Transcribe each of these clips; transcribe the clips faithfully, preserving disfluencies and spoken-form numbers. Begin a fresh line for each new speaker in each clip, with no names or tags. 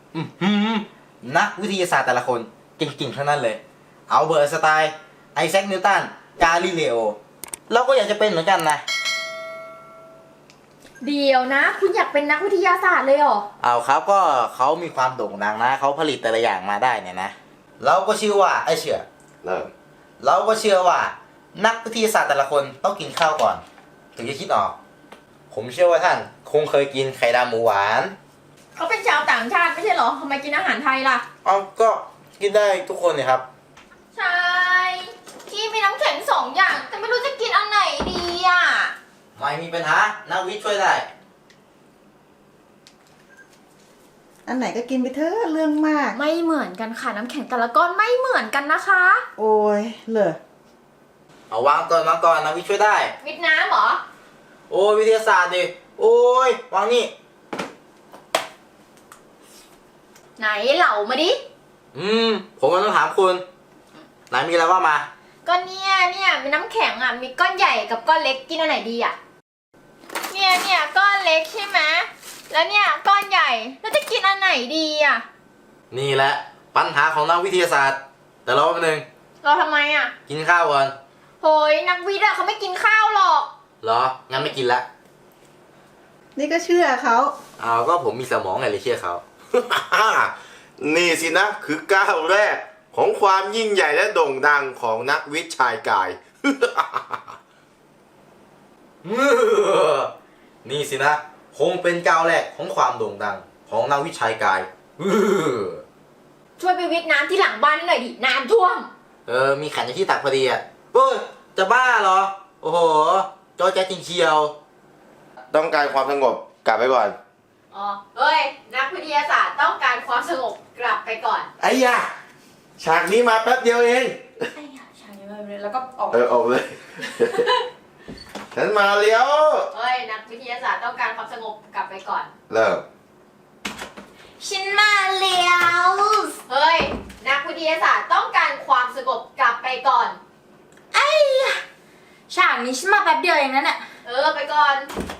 อือหือนักวิทยาศาสตร์แต่ละคนเก่งๆทั้งนั้นเลยเอาเบิร์ตสไตน์ไอแซคนิวตันกาลิเลโอเราก็อยากจะเป็นเหมือนกันนะ
เดี๋ยวนะ คุณอยากเป็นนักวิทยาศาสตร์เลยเหรอ
เอาครับก็เขามีความโด่งดังนะเขาผลิตแต่ละอย่างมาได้เนี่ยนะเราก็เชื่อว่าไอเชื่อเริ่มเราก็เชื่อว่านักวิทยาศาสตร์แต่ละคนต้องกินข้าวก่อนถึงจะคิดออกผมเชื่อว่าท่านคงเคยกินไข่ดาวหมูหวาน
เขาเป็นชาวต่างชาติไม่ใช่เหรอทำไมกินอาหารไทยล่ะ
เอาก็กินได้ทุกคนเนี่ยครับ
ใช่พี่มีน้ำแข็งสองอย่างแต่ไม่รู้จะกินอันไหนดีอ่ะ
ไม่มีปัญหานักวิทย์ช่วยได้
อันไหนก็กินไปเถอะเรื่องมาก
ไม่เหมือนกันค่ะน้ำแข็งแต่ละก้อนไม่เหมือนกันนะคะ
โอ้ยเหรอ
เอาวางก่อนวางก่อนนักวิทย์ช่วยได้
วิทย์น้ำเหรอ
โอ้ยวิทยาศาสตร์ดิโอ้ยวางนี่
ไหนเหล่ามาดิ
อืมผมก็ต้องถามคุณไหนมีอะไรว่ามา
ก็เนี่ยเนี่ยมีน้ำแข็งอ่ะมีก้อนใหญ่กับก้อนเล็กกินอันไหนดีอ่ะเนี่ยเนี่ยก้อนเล็กใช่ไหมแล้วเนี่ยก้อนใหญ่แล้วจะกินอันไหนดีอ่ะ
นี่แหละปัญหาของนักวิทยาศาสตร์แต่รอแป๊บนึง
รอทำไมอ่ะ
กินข้าวก่อน
โหยนักวิทย์อะเขาไม่กินข้าวหรอก
เหรองั้นไม่กินละ
นี่ก็เชื่อเขา
เอาก็ผมมีสมองไงเลยเชื่อเขา
นี่สินะคือก้าวแรกของความยิ่งใหญ่และโด่งดังของนักวิทย์ชายกาย
นี่สินะคงเป็นก้าวแรกของความโด่งดังของนักวิทย์ชายกาย
ช่วยไปวิทย์น้ำที่หลังบ้านหน่อยดิน้ำท่วม
เออมีขันอยู่ที่ตักพอดีอ่ะเฮ้ยจะบ้าเหรอโอ้โหจอแจ๊จริงเชียว
ต้องการความสงบกลับไปก่อน
อ๋อเฮ้ยนักวิทยาศาสตร์ต้องการความสงบกลับไปก่อน
ไอ้ยาฉากนี้มาแป๊บเดียวเอง
ไอ้ยาฉากนี้มาเลยแล้วก็ออก
เออออกเลย ฉันมาเลี้ยว
เฮ้ยนักวิทยาศาสตร์ต้องการความสงบกลับไปก่อน
เริ่ม
ฉันมาเลี้ยวเฮ้ยนักวิทยาศาสตร์ต้องการความสงบกลับไปก่อนไอ้ฉากนี้ฉันมาแป๊บเดียวเองนั่นแหละเออไปก่อน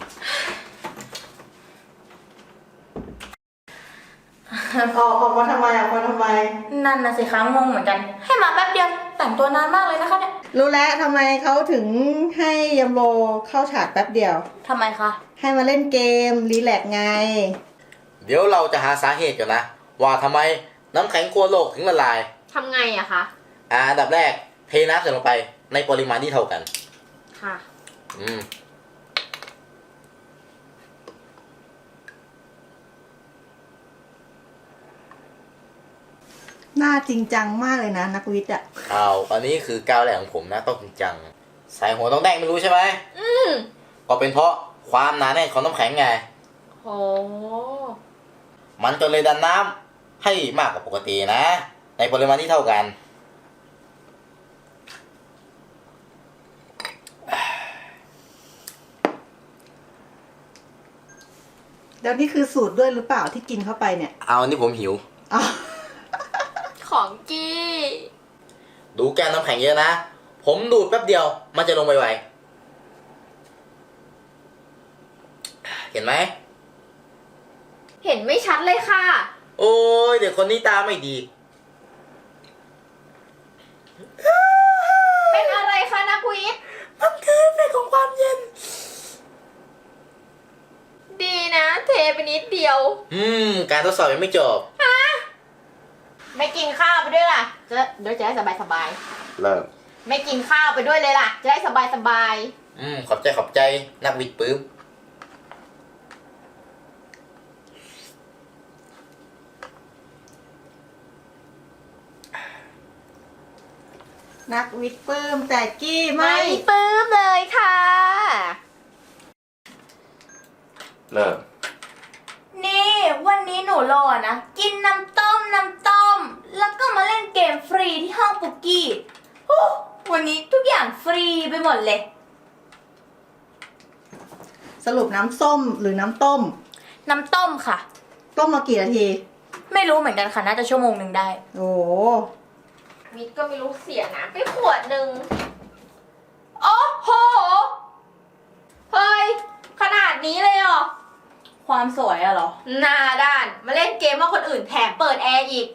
ออกออกมาทำไมออกมาทำไม
นั่นน่ะสิคะงงเหมือนกันให้มาแป๊บเดียวแต่งตัวนานมากเลยนะคะเนี่ย
รู้แล้วทำไมเขาถึงให้ยมโรเข้าฉากแป๊บเดียว
ทำไมคะ
ให้มาเล่นเกมรีแลกไง
เดี๋ยวเราจะหาสาเหตุกันนะว่าทำไมน้ำแข็งขั้วโลกถึงละลาย
ทำไงอะคะ
อ่าอันดับแรกเทน้ำใส่ลงไปในปริมาณที่เท่ากัน
ค่ะ
อืม
หน้าจริงจังมากเลยนะนักวิทย์อ่ะ
อ้าวอันนี้คือก้าวแรกของผมนะต้องจริงจังใส่หัวต้องแดงไม่รู้ใช่ไหม
อืม
ก็เป็นเพราะความหนาแน่นของน้ำแข็งไง
โอ้
มันก็เลยดันน้ำให้มากกว่าปกตินะในปริมาณที่เท่ากัน
แล้วนี่คือสูตรด้วยหรือเปล่าที่กินเข้าไปเนี่ย
เอาอันนี้ผมหิว
ของกี้
ดูแก้วน้ำแข็งเยอะนะผมดูดแป๊บเดียวมันจะลงไวๆเห็นไหม
เห็นไม่ชัดเลยค่ะ
โอ้ยเด็กคนนี้ตาไม่ดี
เป็นอะไรคะนักวิทย์
มันคือเอฟเฟกต์ของความเย็น
ดีนะเทไปนิดเดียว
อืมการทดสอบยังไม่จบ
ฮะไม่กินข้าวไปด้วยล่ะจะเดี๋ยวจะได้สบายสบาย
เริ่ม
ไม่กินข้าวไปด้วยเลยล่ะจะได้สบายสบาย
อืมขอบใจขอบใจนักวิทย์ปื้ม
นักวิทย์ปื้มแต่กี้
ไม่ปื้มเลยค่ะ
เริ่ม
นี่วันนี้หนูรอนะกินน้ำต้มน้ำต้มแล้วก็มาเล่นเกมฟรีที่ห้องปุกกี้วันนี้ทุกอย่างฟรีไปหมดเลย
สรุปน้ำส้มหรือน้ำต้ม
น้ำต้มค่ะ
ต้มมากี่นาที
ไม่รู้เหมือนกันค่ะน่าจะชั่วโมงหนึ่งได้
โอ้
มิดก็ไม่รู้เสียน้ำไปขวดหนึ่งโอ้โหเฮ้ยขนาดนี้เลยเหรอความสวยอะเหรอ หน้าด้าน มาเล่นเกมว่าคนอื่นแถมเปิดแอร์อีก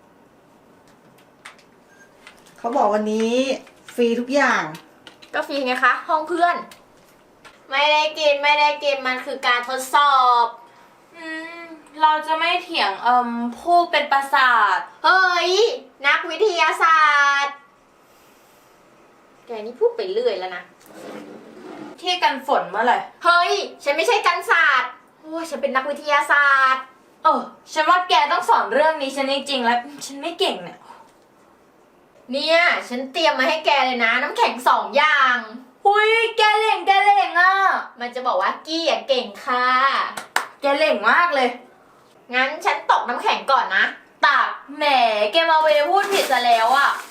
เขาบอกวันนี้ฟรีทุกอย่าง
ก็ฟรีไงคะ ห้องเพื่อน ไม่ได้กินไม่ได้กินมันคือการทดสอบ อืม เราจะไม่เถียงเอ่มผู้เป็นประสาท เฮ้ย นักวิทยาศาสตร์ แกนี่พูดไปเรื่อยแล้วนะ ที่กันฝนเมื่อไหร่ เฮ้ย ฉันไม่ใช่กันศาสตร์โอ้ยฉันเป็นนักวิทยาศาสตร์ เออ ฉันว่าแกต้องสอนเรื่องนี้ฉันจริงๆแล้ว ฉันไม่เก่งเนี่ย เนี่ย ฉันเตรียมมาให้แกเลยนะ น้ำแข็งสองอย่างหุยแกเล่งแกเล่งอ่ะ มันจะบอกว่ากี้อ่ะเก่งค่ะ แกเล่งมากเลย งั้นฉันตกน้ำแข็งก่อนนะตักแหม แกมาเวพูดผิดซะแล้วอ่ะ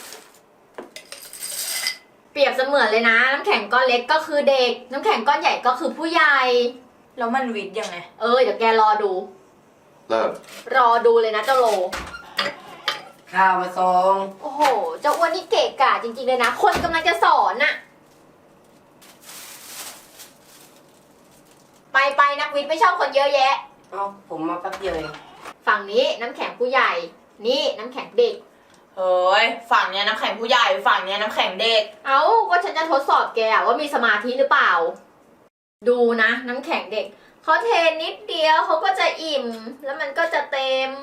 เปรียบเสมือนเลยนะ น้ำแข็งก้อนเล็กก็คือเด็ก น้ำแข็งก้อนใหญ่ก็คือผู้ใหญ่ แล้วมันวิทย์ยังไง เออ เดี๋ยวแกรอดู
เริ่ม
รอดูเลยนะเจ้าโล
ข้าวมาส่ง
โอ้โห เจ้าอ้วนนี่เกะกะจริงๆเลยนะ คนกำลังจะสอนน่ะ ไปไปนักวิทย์ไม่ชอบคนเยอะแยะ
เอ้าผมมาแป๊บเดียวเอง
ฝั่งนี้น้ำแข็งผู้ใหญ่ นี่น้ำแข็งเด็ก
เฮ้ย ฝั่งเนี้ยน้ำแข็งผู้ใหญ่ ฝั่งเนี้ยน้ำแข็งเด็ก
เอ้า ก็ฉันจะทดสอบแกอะว่ามีสมาธิหรือเปล่า ดูนะ น้ำแข็งเด็ก เขาเทนิดเดียวเขาก็จะอิ่ม แล้วมันก็จะเต็ม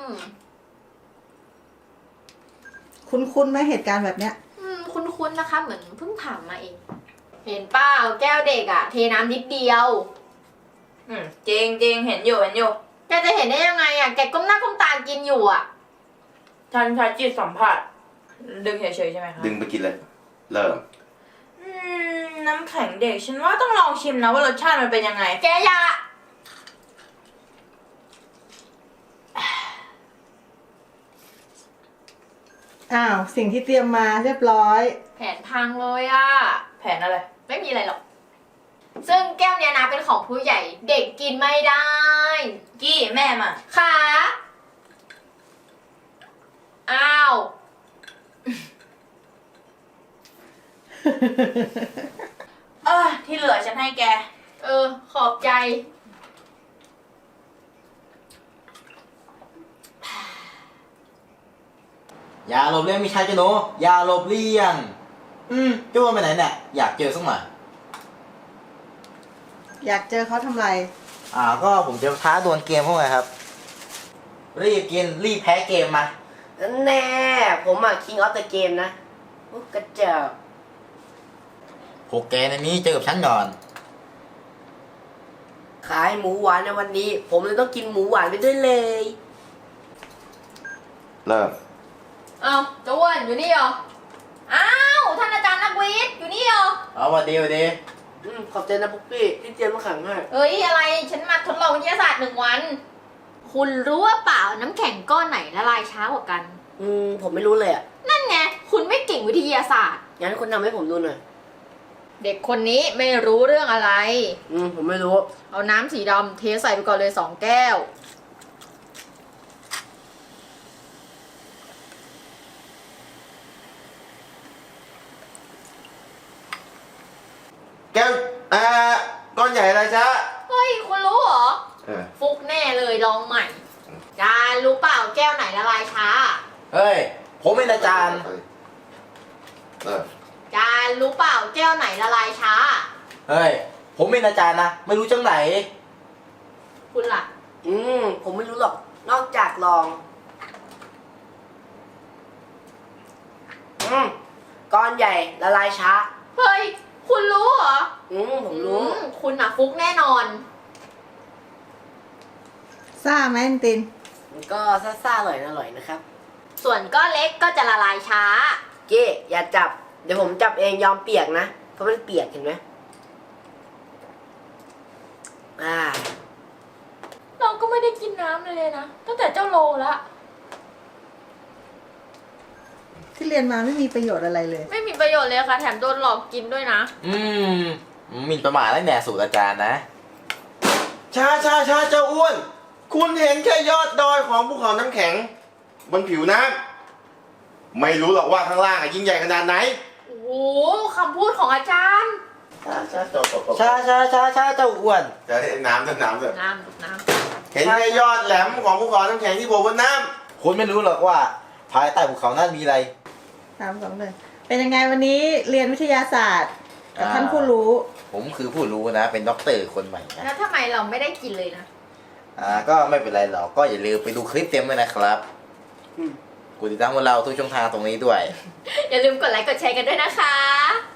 คุ้นๆไหมเหตุการณ์แบบเนี้ย
อืม คุ้นๆนะคะ เหมือนเพิ่งผ่านมาเอง เห็นเปล่าแก้วเด็กอะเทน้ำนิดเดียว
อืมจริงจริงเห็นอยู่เห็นอยู่
แกจะเห็นได้ยังไงอะแกก้มหน้าก้มตากินอยู่อะ
ฉันใช้จิตสัมผัส ดึงเฉยๆใช่ไหมคะ
ดึงไปกินเลย เริ่ม
อืม น้ำแข็งเด็ก ฉันว่าต้องลองชิมนะว่ารสชาติมันเป็นยังไง
แกอย่า
อ้าว สิ่งที่เตรียมมาเรียบร้อย
แผนพังเลยอะ
แผนอะไร
ไม่มีอะไรหรอก ซึ่งแก้วเนี้ยนะเป็นของผู้ใหญ่ เด็กกินไม่ได้
กี้แม่มา
ค่ะ อ้าว
เออที่เหลือฉันให้แก
เออ ขอบใจ
อย่าหลบเลี่ยงมิชายเจ้าหนูอย่าหลบเลี่ยง อืมเจ้าอ้วนไปไหนเนี่ย อยากเจอสักหน่อย
อยากเจอเขาทำไร
อ่า ก็ผมจะท้าดวลเกมพวกไงครับ รีบกิน รีบแพ้เกมมา
แน่ ผมอ่ะ King of the Game นะโอ้กระเจอก
พวกแกในนี้เจอกับฉันก่อน
ขายหมูหวานในวันนี้ ผมเลยต้องกินหมูหวานไปด้วยเลย
เริ่ม
อ้าวเจ้าอ้วนอยู่นี่เหรอ อ้าว ท่านอาจารย์นักวิทย์อยู่นี่เหรอ
เอาวันดีวันดี
อืม ขอบใจนะปุ๊กปี้ที่เตรียมมาขังให้
เอ้ย อะไร ฉันมาทดลองวิทยาศาสตร์หนึ่งวัน คุณรู้ว่าเปล่าน้ำแข็งก้อนไหนละลายช้ากว่ากัน
อืม ผมไม่รู้เลยอ่ะ
นั่นไง คุณไม่เก่งวิทยาศาสตร์
งั้นคุณทำให้ผมดูหน่อย
เด็กคนนี้ไม่รู้เรื่องอะไร
อืม ผมไม่รู้
เอาน้ำสีดำเทใส่ไปก่อนเลยสองแก้ว
แก้วอ่าก้อนใหญ่อะไรจ๊ะ
เฮ้ย คุณรู้เหรอ
เออ
ฟุกแน่เลยลองใหม่ จานรู้เปล่าแก้วไหนละลายช้า
เฮ้ย ผมเป็นอาจารย์
เริ่ม
จานรู้เปล่าแก้วไหนละลายช้า
เฮ้ย ผมเป็นอาจารย์นะ ไม่รู้จังไหน
คุณล่ะ
อืม ผมไม่รู้หรอก นอกจากลอง อืม ก้อนใหญ่ละลายช้า
เฮ้ย คุณรู้เหรอ
อืม ผมรู้
อืมคุณน่ะฟุกแน่นอน
ซ่าไหมอันติน
มันก็ซ่าๆอร่อยอร่อยนะครับ
ส่วนก้อนเล็กก็จะละลายช้า
เก้อย่าจับ เดี๋ยวผมจับเองยอมเปียกนะ เพราะมันเปียกเห็นไหมอ่า
เราก็ไม่ได้กินน้ำเลยนะ ตั้งแต่เจ้าโลละ
ที่เรียนมาไม่มีประโยชน์อะไรเลย
ไม่มีประโยชน์เลยค่ะ แถมโดนหลอกกินด้วยนะ
อืมหมินประมาทแล้วเนี่ยสูตรอาจารย์นะ
ช้าช้าช้าเจ้าอ้วน คุณเห็นแค่ยอดดอยของภูเขาน้ำแข็ง บนผิวน้ำไม่รู้หรอกว่าข้างล่างอะยิ่งใหญ่ขนาดไหน
โอ้โหคำพูดของอาจารย์
ช้าช้าจบจบจบ
ช้าช้าช้าช้าเจ้าอ้วน
จะให้น้ำจะน้ำเลย
น้ำน้
เห็นแค่ยอดแหลมของภูเขาน้ำแข็งที่โผล่บนน้
คุณไม่รู้หรอกว่า ภายใต้ภูเขานั้นมีอะไร
สามสองหนึ่งเป็นยังไงวันนี้เรียนวิทยาศาสตร์กับ
อ่า
ท่านผู้รู้
ผมคือผู้รู้นะ เป็นด็อกเตอร์คนใหม่
ำ
นะ
แล้วทำไมเราไม่ได้กินเลยนะ
อ่าก็ไม่เป็นไรหรอกก็อย่าลืมไปดูคลิปเต็มเลยนะครับกดติดตามพวกเราทุกช่องทางตรงนี้ด้วย
อย่าลืมกดไลค์กดแชร์กันด้วยนะคะ